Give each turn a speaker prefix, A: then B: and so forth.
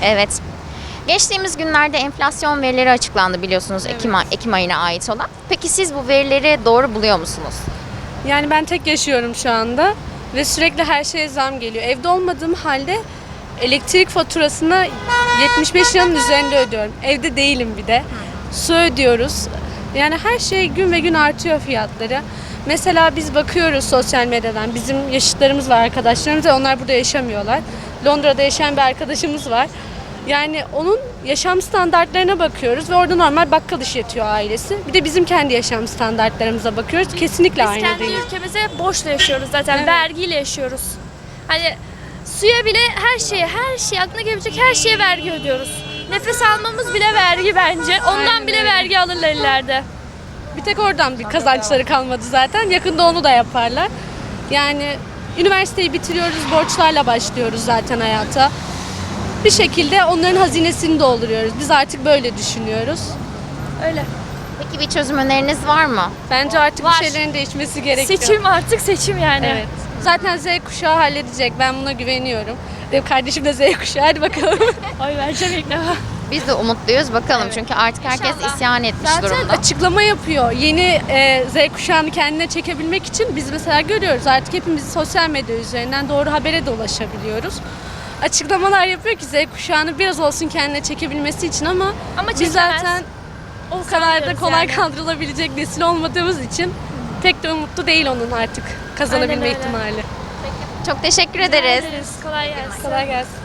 A: Evet. Geçtiğimiz günlerde enflasyon verileri açıklandı biliyorsunuz Ekim ayına ait olan. Peki siz bu verileri doğru buluyor musunuz?
B: Yani ben tek yaşıyorum şu anda ve sürekli her şeye zam geliyor. Evde olmadığım halde elektrik faturasını 75 liranın üzerinde ödüyorum. Evde değilim bir de. Su ödüyoruz. Yani her şey gün ve gün artıyor fiyatları. Mesela biz bakıyoruz sosyal medyadan. Bizim yaşıtlarımız var, arkadaşlarımız ve onlar burada yaşamıyorlar. Londra'da yaşayan bir arkadaşımız var. Yani onun yaşam standartlarına bakıyoruz ve orada normal bakkal işletiyor ailesi. Bir de bizim kendi yaşam standartlarımıza bakıyoruz. Kesinlikle
C: Biz
B: aynı
C: kendi
B: değil.
C: ülkemize borçla yaşıyoruz zaten.
B: Evet.
C: Vergiyle yaşıyoruz. Hani suya bile her şeye aklına gelebilecek her şeye vergi ödüyoruz. Nefes almamız bile vergi bence. Ondan
B: Aynen
C: bile
B: öyle.
C: vergi alırlar ileride.
B: Bir tek oradan bir kazançları kalmadı zaten. Yakında onu da yaparlar. Yani üniversiteyi bitiriyoruz, borçlarla başlıyoruz zaten hayata. Bir şekilde onların hazinesini dolduruyoruz. Biz artık böyle düşünüyoruz.
C: Öyle.
A: Peki bir çözüm öneriniz var mı?
B: Bence artık
C: Var.
B: bir şeylerin değişmesi gerekiyor.
C: Seçim artık seçim yani.
B: Evet. Zaten Z kuşağı halledecek. Ben buna güveniyorum. Benim kardeşim de Z kuşağı. Hadi bakalım.
C: Oy vereceğim ilk defa.
A: Biz de umutluyuz bakalım çünkü artık herkes
C: İnşallah.
A: isyan etmiş
B: Zaten
A: durumda.
B: açıklama yapıyor. Yeni Z kuşağını kendine çekebilmek için biz mesela görüyoruz. Artık hepimiz sosyal medya üzerinden doğru habere de ulaşabiliyoruz. Açıklamalar yapıyor ki Z kuşağını biraz olsun kendine çekebilmesi için ama
C: Ama
B: biz
C: çekemez.
B: zaten o kadar da
C: Sanmıyoruz
B: kolay
C: yani.
B: kandırılabilecek nesil olmadığımız için pek de umutlu değil onun artık kazanabilme
C: Aynen öyle.
B: ihtimali.
A: Çok teşekkür ederiz.
C: Kolay gelsin.
B: Kolay gelsin.